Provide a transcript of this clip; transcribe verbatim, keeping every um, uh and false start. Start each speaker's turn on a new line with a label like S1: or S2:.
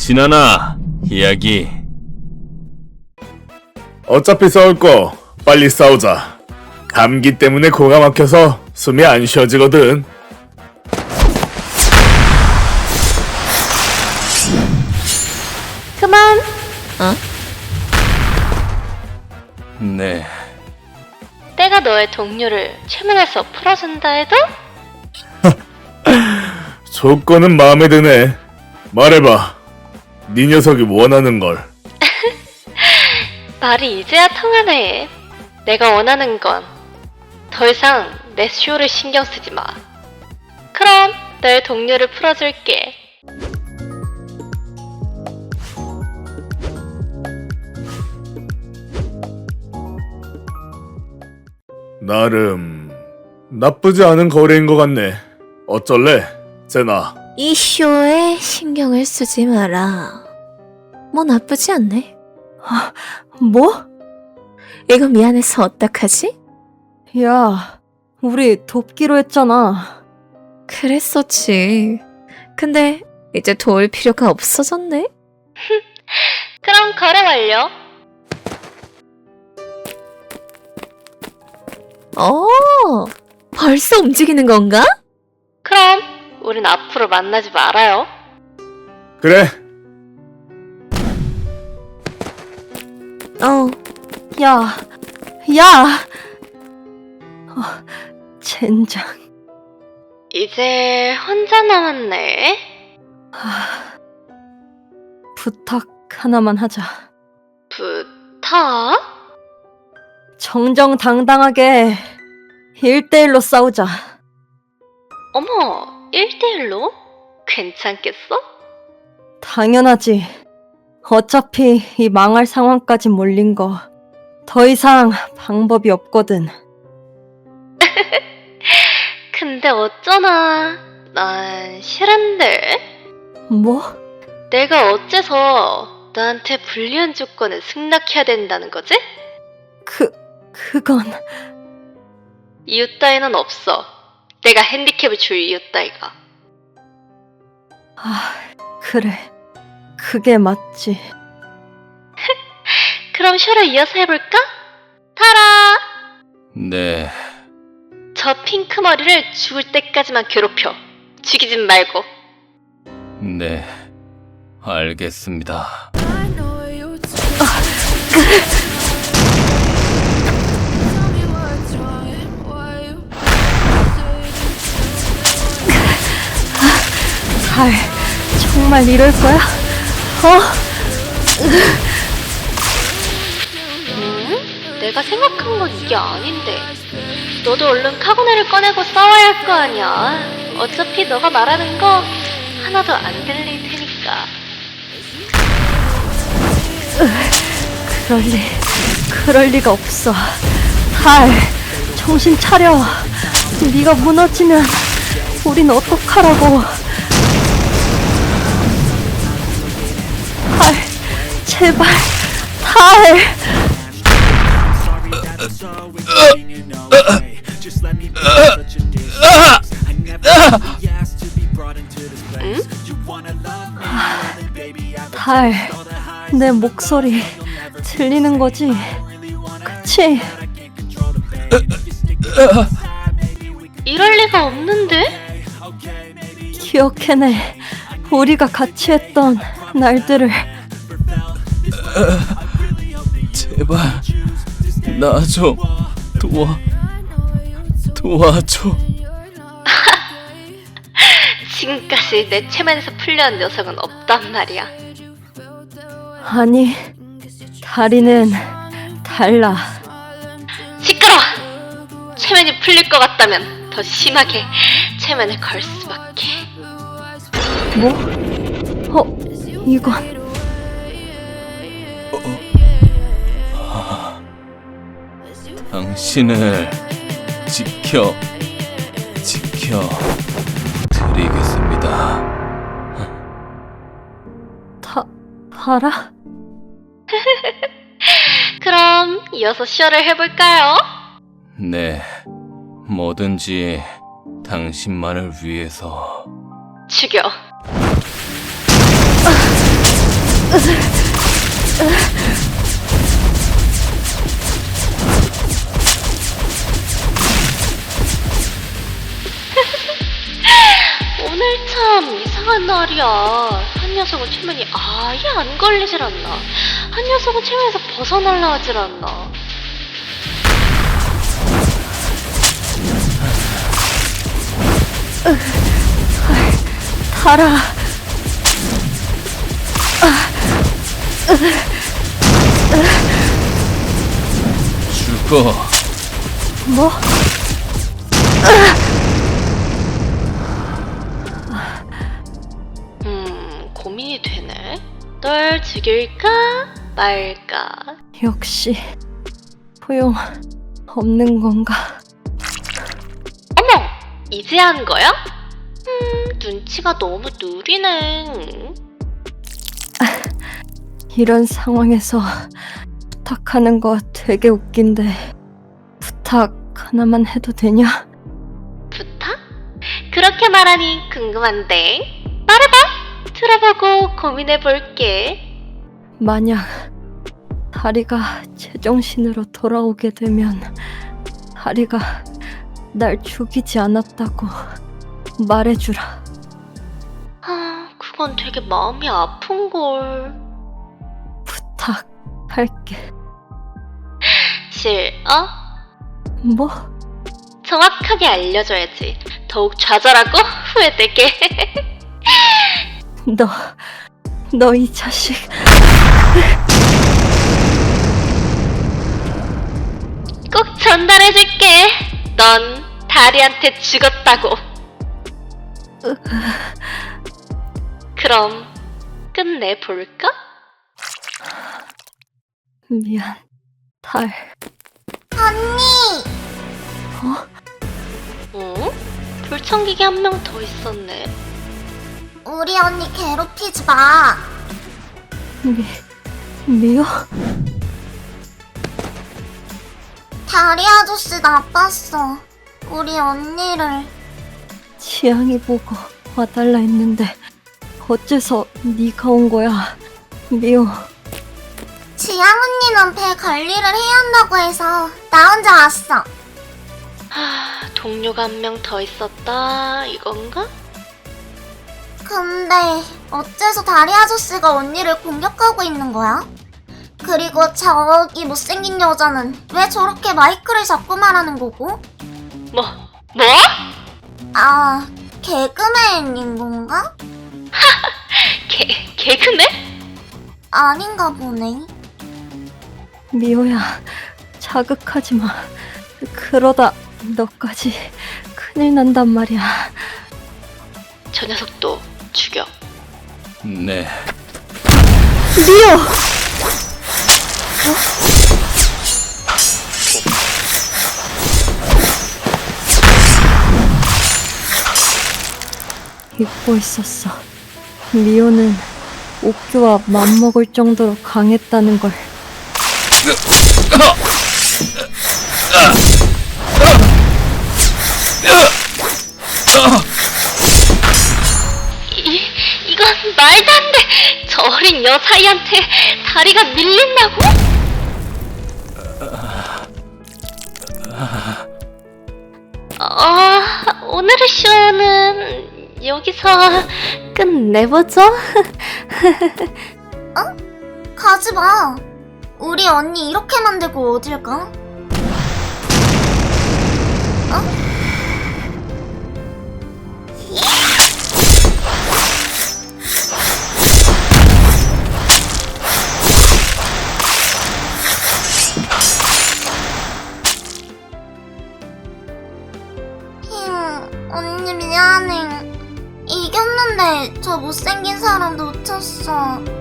S1: 진아나, 이야기.
S2: 어차피 싸울 거 빨리 싸우자. 감기 때문에 코가 막혀서 숨이 안 쉬어지거든.
S3: 그만. 어?
S1: 네,
S3: 내가 너의 동료를 최면에서 풀어준다 해도?
S2: 조건은 마음에 드네. 말해봐. 네 녀석이 원하는 걸.
S3: 말이 이제야 통하네. 내가 원하는 건 더 이상 내 쇼를 신경 쓰지 마. 그럼 너의 동료를 풀어줄게.
S2: 나름 나쁘지 않은 거래인 것 같네. 어쩔래, 제나?
S4: 이 쇼에 신경을 쓰지 마라. 뭐 나쁘지 않네. 아, 뭐? 이거 미안해서 어떡하지?
S5: 야, 우리 돕기로 했잖아.
S4: 그랬었지. 근데 이제 도울 필요가 없어졌네?
S3: 그럼 거래 완료.
S4: 어, 벌써 움직이는 건가?
S3: 그럼 우린 앞으로 만나지 말아요.
S2: 그래.
S4: 어,
S5: 야, 야! 어, 젠장.
S3: 이제 혼자 남았네.
S5: 부탁 하나만 하자.
S3: 부탁?
S5: 정정당당하게 일대일로 싸우자.
S3: 어머, 일대일로? 괜찮겠어?
S5: 당연하지. 어차피 이 망할 상황까지 몰린 거 더 이상 방법이 없거든.
S3: 근데 어쩌나 난 싫은데?
S5: 뭐?
S3: 내가 어째서 너한테 불리한 조건을 승낙해야 된다는 거지?
S5: 그, 그건...
S3: 이유 따위는 없어. 내가 핸디캡을 줄 이유 따위가.
S5: 아, 그래. 그게 맞지.
S3: 그럼 쇼를 이어서 해볼까? 타라!
S1: 네,
S3: 저 핑크 머리를 죽을 때까지만 괴롭혀. 죽이진 말고.
S1: 네, 알겠습니다.
S5: 달, 정말 이럴 거야? 어?
S3: 음? 내가 생각한 건 이게 아닌데. 너도 얼른 카고네를 꺼내고 싸워야 할 거 아니야. 어차피 너가 말하는 거 하나도 안 들릴 테니까.
S5: 그럴 리, 그럴 리가 없어. 달, 정신 차려. 네가 무너지면 우린 어떡하라고. 달, 제발, 달.
S3: 응?
S5: 달, 내 목소리 들리는 거지? 그치?
S3: 이럴 리가 없는데?
S5: 기억해내. 우리가 같이 했던 날들을.
S1: 제발, 나 좀 도와, 도와줘.
S3: 지금까지 내 체면에서 풀려온 녀석은 없단 말이야.
S5: 아니, 다리는 달라.
S3: 시끄러워! 체면이 풀릴 것 같다면 더 심하게 체면을 걸 수밖에.
S5: 뭐? 어, 이건
S1: 당신을 지켜, 지켜 드리겠습니다.
S5: 다, 달아?
S3: 그럼 이어서 쇼를 해볼까요?
S1: 네, 뭐든지 당신만을 위해서.
S3: 죽여. 오늘 참 이상한 날이야. 한 녀석은 최면이 아예 안 걸리질 않나. 한 녀석은 최면에서 벗어날라 하질 않나.
S5: 달아.
S1: 죽어.
S5: 뭐?
S3: 음, 고민이 되네. 널 죽일까 말까.
S5: 역시 소용 없는 건가?
S3: 어머! 이제 한 거야? 음, 눈치가 너무 느리네.
S5: 이런 상황에서 부탁하는 거 되게 웃긴데 부탁 하나만 해도 되냐?
S3: 부탁? 그렇게 말하니 궁금한데. 말해봐! 들어보고 고민해볼게.
S5: 만약 다리가 제정신으로 돌아오게 되면 다리가 날 죽이지 않았다고 말해주라.
S3: 아, 그건 되게 마음이 아픈걸.
S5: 부탁할게.
S3: 싫어?
S5: 뭐?
S3: 정확하게 알려줘야지. 더욱 좌절하고 후회되게.
S5: 너, 너 이 자식.
S3: 꼭 전달해줄게. 넌 다리한테 죽었다고. 그럼 끝내볼까?
S5: 미안, 달.
S3: 어? 불청객이 한 명 더 있었네.
S6: 우리 언니 괴롭히지 마.
S5: 미, 미워?
S6: 다리 아저씨 나빴어. 우리 언니를.
S5: 지향이 보고 와달라 했는데 어째서 네가 온 거야? 미워.
S6: 지양 언니는 배 관리를 해야 한다고 해서 나 혼자 왔어.
S3: 하, 동료가 한 명 더 있었다 이건가?
S6: 근데 어째서 다리 아저씨가 언니를 공격하고 있는 거야? 그리고 저기 못생긴 여자는 왜 저렇게 마이크를 잡고 말하는 거고?
S3: 뭐? 뭐?
S6: 아, 개그맨인 건가?
S3: 개, 개그맨?
S6: 아닌가 보네.
S5: 미호야, 자극하지 마. 그러다 너까지 큰일 난단 말이야.
S3: 저 녀석도 죽여.
S1: 네.
S5: 미호! 잊고 있었어. 미호는 옥규와 맘먹을 정도로 강했다는 걸.
S3: 이, 이건 말도 안 돼! 저 어린 여사이한테 다리가 밀린다고? 어, 오늘의 쇼는 여기서
S4: 끝내보죠.
S6: 가지 마. 우리 언니 이렇게 만들고 어딜 가? 어? 힝, 언니 미안해. 이겼는데 저 못생긴 사람 놓쳤어.